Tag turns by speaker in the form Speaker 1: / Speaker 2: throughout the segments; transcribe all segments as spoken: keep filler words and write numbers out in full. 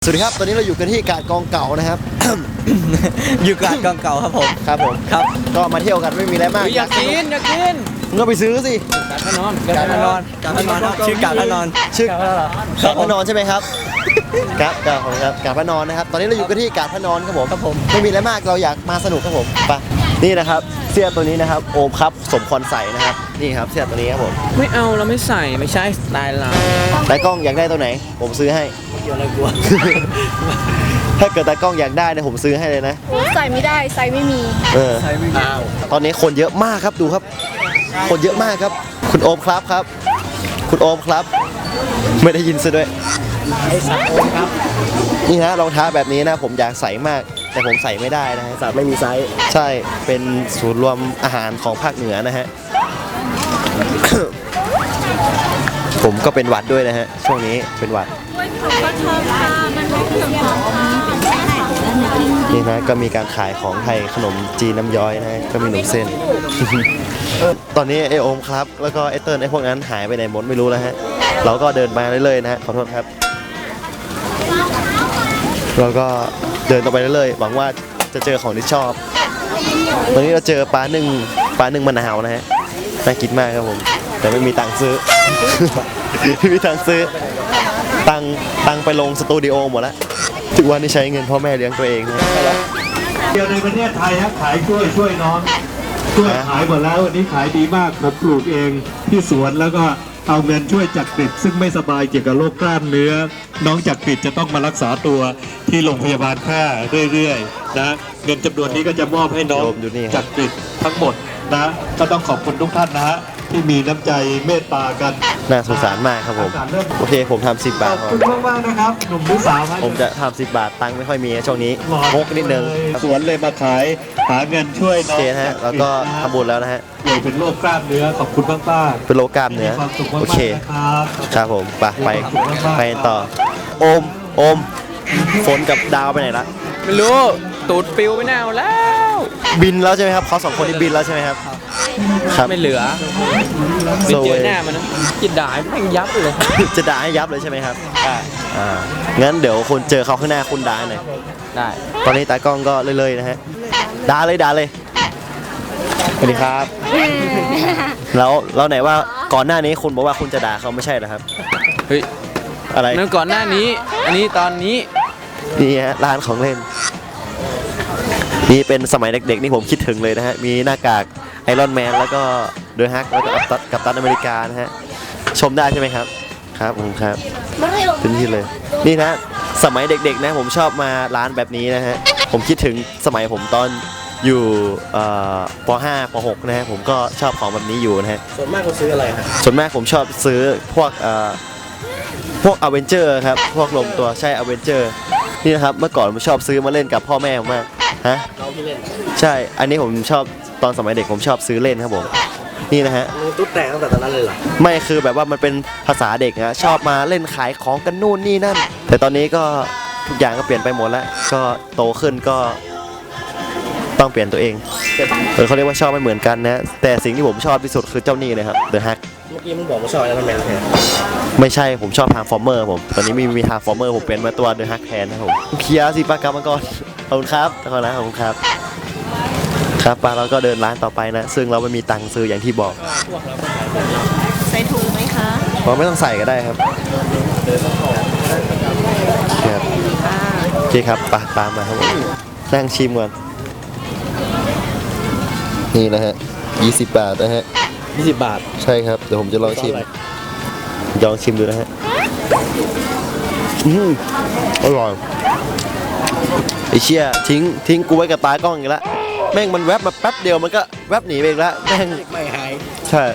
Speaker 1: สวัสดีครับตอนนี้เราอยู่กันที่กาดกองเก่านะครับ
Speaker 2: อยู่กาดกองเก่าครับผม
Speaker 1: ครับผม
Speaker 2: ครับ
Speaker 1: ก็มาเที่ยวกันไม่มีอะไรมาก
Speaker 3: อยากกินอยากกิน
Speaker 1: มึงก็ไปซื้อสิ
Speaker 3: กาดพนอน
Speaker 2: กาดพนอนกาดพนอนครับชื่อกาดพนอน
Speaker 1: ชื่อกาดพนอนใช่ไหมครับครับกาดของครับกาดพนอนนะครับตอนนี้เราอยู่กันที่กาดพนอนครับผมครับผมไม่มีอะไรมากเราอยากมาสนุกครับผมไปนี่นะครับเสื้อตัวนี้นะครับโอมครับสมควรใส่นะครับนี่ครับเสื้อตัวนี้ครับผม
Speaker 3: ไม่เอาเราไม่ใส่ไม่ใช่สไตล์เรา
Speaker 1: ตากล้องอยากได้ตัวไหน ผมซื้อให้
Speaker 2: เกี่ยวอะไรกลัว
Speaker 1: ถ้าเกิดตากล้องอยากได้เนี่ยผมซื้อให้เลยนะ
Speaker 4: ใส่ไม่ได้ใส่ไม่มี
Speaker 1: เออ
Speaker 2: ใช่ไม่มี
Speaker 1: ตอนนี้คนเยอะมากครับดูครับ คนเยอะมากครับ คุณโอมครับครับ คุณโอมครับ ไม่ได้ยินซะด้วย
Speaker 2: ไอ้สัตว์โอมครับ
Speaker 1: นี่ฮะรองเท้าแบบนี้นะผมอยากใส่มาก แต่ผมใส่ไม่ได้นะฮะ
Speaker 2: สัตว์ไม่มีไซส์
Speaker 1: ใช่เป็นศูนย์รวมอาหารของภาคเหนือนะฮะ ผมก็เป็นหวัดด้วยนะฮะช่วงนี้เป็นหวัดนี่นะก็มีการขายของไทยขนมจีนน้ำย้อยนะฮะก็มีหนมเส้น ตอนนี้ไอโอมครับแล้วก็ไอเติ้ลไอพวกนั้นหายไปไหนหมดไม่รู้แล้วฮะเราก็เดินมาเรื่อยๆนะฮะขอโทษครับเราก็เดินต่อไปเรื่อยๆหวังว่าจะเจอของที่ชอบตอนนี้เราเจอปลาหนึ่งปลาหนึ่งมะนาวนะฮะน่ากินมากครับผมแต่ไม่มีตังค์ซื้อ ไม่มีตังค์ซื้อตังค์ตังค์ไปลงสตูดิโอหมดแล้วทุกวันนี้ใช้เงินพ่อแม่เลี้ยงตัวเองนะ
Speaker 5: เดียวในประเทศไทยครับขายกล้วยช่วยน้องกล้วยขายหมดแล้ววันนี้ขายดีมากผมปลูกเองที่สวนแล้วก็เอาเงินช่วยจักริดซึ่งไม่สบายเกี่ยวกับโรคกล้ามเนื้อ น้องจักริดจะต้องมารักษาตัวที่โรงพยาบาลแพร่เรื่อยๆนะเงินจำนวนนี้ก็จะมอบให้น้องจักริดทั้งหมดนะก็ต้องขอบคุณทุกท่านนะฮะที่มีน้ำใจเมตตากัน
Speaker 1: น่าสงสารมากครับผมโอเคผมทำสิบบาท
Speaker 5: ขอบคุณมากๆนะครับหนุ่มหรือสาวครับ
Speaker 1: ผมจะทำสิบบาทตังค์ไม่ค่อยมีช่วงนี้งกนิดนึง
Speaker 5: สวนเลยมาขายหาเงินช่วย
Speaker 1: โอ
Speaker 5: น้อง
Speaker 1: เคนะฮะแล้วก็ทำบุญแล้วนะฮะ
Speaker 5: ป่วยเป็นโรคกล้ามเนื้อขอบคุณมากมากๆ
Speaker 1: เป็นโลกล้ามเนื้อ
Speaker 5: มีความสุขมาก
Speaker 1: โอ
Speaker 5: ๆ
Speaker 1: เค
Speaker 5: นะครับ
Speaker 1: ครับผมไปไปไปต่อโอมโอมฝนกับดาวไปไหนละ
Speaker 3: ไม่รู้ตูดปิวไปแนวแล้ว
Speaker 1: บินแล้วใช่ไหมครับเขาสองคนนี้บินแล้วใช่ไหมครับครับ
Speaker 3: ไม่เหลือไม่
Speaker 1: โซ
Speaker 3: เจ
Speaker 1: เว
Speaker 3: อหน้ามันนะจิตด่าแม่งยับเลย
Speaker 1: จะด่าให้ยับเลยใช่ไหมครับ
Speaker 3: ได้
Speaker 1: อ่างั้นเดี๋ยวคุณเจอเขาข้างหน้าคุณด่าหน่อย
Speaker 3: ได้
Speaker 1: ตอนนี้ตากล้องก็เลยๆนะฮะด่าเลยด่าเลยสวัสดีครับ แล้วเราไหนว่าก่อนหน้านี้คุณบอกว่าคุณจะด่าเขาไม่ใช่เหรอครับ
Speaker 3: เฮ้ย
Speaker 1: อะไร
Speaker 3: นั่นก่อนหน้านี้ อันนี้ตอนนี้
Speaker 1: นี่ฮะร้านของเล่นนี่เป็นสมัยเด็กๆนี่ผมคิดถึงเลยนะฮะมีหน้ากากไอรอนแมนแล้วก็เดอะฮักแล้วก็กัปตันอเมริกานะฮะชมได้ใช่ไหมครับครับผมครับถึงที่เลยนี่นะสมัยเด็กๆนะผมชอบมาร้านแบบนี้นะฮะผมคิดถึงสมัยผมตอนอยู่ป .ห้า ป .หก นะฮะผมก็ชอบของแบบนี้อยู่นะฮะ
Speaker 2: ส่วนมากเขาซื้ออะไรครับ
Speaker 1: ส่วนมากผมชอบซื้อพวกเอ่อพวกอเวนเจอร์ครับพวกลมตัวใช่อเวนเจอร์นี่นะครับเมื่อก่อนผมชอบซื้อมาเล่นกับพ่อแม่ผมมากฮะ
Speaker 2: เราที่เล่น
Speaker 1: ใช่อันนี้ผมชอบตอนสมัยเด็กผมชอบซื้อเล่นครับผมนี่นะฮะ
Speaker 2: มือตุ๊ดแตกตั้งแต่ตอนนั้นเลยเหรอ
Speaker 1: ไม่คือแบบว่ามันเป็นภาษาเด็กนะชอบมาเล่นขายของกันนู่นนี่นั่น แต่ตอนนี้ก็ทุกอย่างก็เปลี่ยนไปหมดแล้วก็โตขึ้นก็ต้องเปลี่ยนตัวเองเออเขาเรียกว่าชอบไม่เหมือนกันนะแต่สิ่งที่ผมชอบที่สุดคือเจ้านี่เลยครับ The Hack
Speaker 2: เมื่อกี้มึงบอกว่าชอบไอรอนแมนแทน
Speaker 1: ไม่ใช่ผมชอบทางฟอร์เมอร์ผมตอนนี้มีมีทางฟอร์เมอร์ผมเป็นมาตัวเดอะฮักแทนนะครับผมเคลียร์สิปากรรมก่อนขอบคุณครับขอบคุณนะขอบคุณครับครับปาเราก็เดินร้านต่อไปนะซึ่งเราไม่มีตังค์ซื้ออย่างที่บอก
Speaker 4: ใส่ถุงไหมคะ
Speaker 1: เราไม่ต้องใส่ก็ได้ครับครับโอเคครับปาตามมาครับผมนั่งชิมก่อนนี่นะฮะยี่สิบบาทนะฮะ
Speaker 2: ยี่สิบบาท
Speaker 1: ใช่ครับเดี๋ยวผมจะลองชิมลองชิมดูนะฮะอืมอร่อยไอเชี่ยทิ้งทิ้งกูไว้กับตากล้องอีกแล้วแม่งมันแวบมาแป๊บเดียวมันก็แวบหนีไปอีกแล้วแม่ง
Speaker 2: ไม่หาย
Speaker 1: ใช่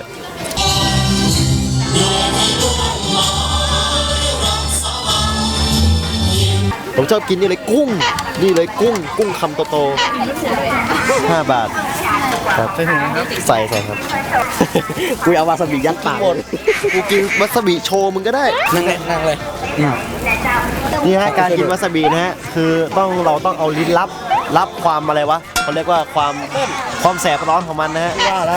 Speaker 1: ผมชอบกินนี่เลยกุ้งนี่เลยกุ้งกุ้งคำโตๆห้าบาทครับใส่ถุงครับใส่ใส่ครับ
Speaker 2: กูเอาวาซาบิยัดปาก
Speaker 1: หมดกูกินวาซาบิโชว์มึงก็ได้
Speaker 2: นั่งเลยนั่งเลย
Speaker 1: นี่ฮะการกินวาซาบินะฮะคือต้องเราต้องเอาลิ้นรับรับความอะไรวะเขาเรียกว่าความความแสบร้อนของมันนะฮะว่าแล้ว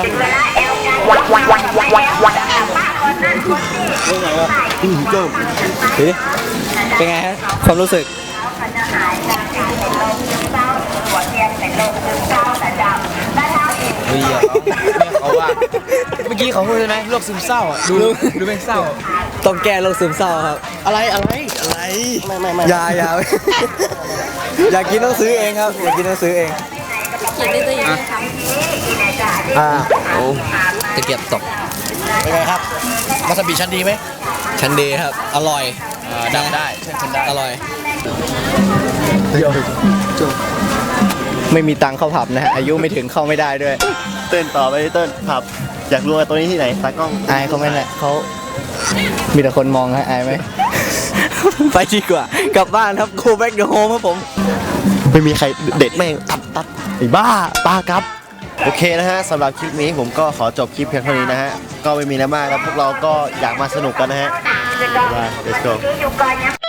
Speaker 1: อืมก็
Speaker 2: เป็นไงฮะความรู้สึก
Speaker 3: เฮ้ยอย่าร้องแม่เขาว่าเมื่อกี้เขาพูดใช่ไหมโรคซึมเศร้าอ่ะดูดูเป็นเศร้า
Speaker 2: ต้องแก้โรคซึมเศร้าครับ อะไรอะไรอะไรไม่ไม่ไม่อย่าอย่า อยากกินต้องซื้อเองครับอยากกินต้องซื้อเอง
Speaker 4: กินได้ตัวเอง
Speaker 2: อ่า
Speaker 3: โอ้ตะเกียบตก
Speaker 2: เป็นไงครับวาซาบิชั้นดีไหมชั้นดีครับ อร่อย
Speaker 3: ดังได้เช่นฉันได้
Speaker 2: อร่อยไม่มีตังค์เข้าผับนะฮะอายุไม่ถึงเข้าไม่ได้ด้วย
Speaker 1: เต้นต่อไปเต้นผับอยากรู้ว่าตัวนี้ที่ไหนตากล้อง
Speaker 2: อายเขาไหมเนี่ยเขามีแต่คนมองฮะอายไหม ไปดีกว่ากลับบ้านครับ go back to home ครับผม
Speaker 1: ไม่มีใครเด็ดแม่งตัดตัดไอ้บ้าปาครับ โอเคนะฮะสำหรับคลิปนี้ผมก็ขอจบคลิปเพียงเท่านี้นะฮะ ก็ไม่มีอะไรมากครับพวกเราก็อยากมาสนุกกันนะฮะ Bye. Let's go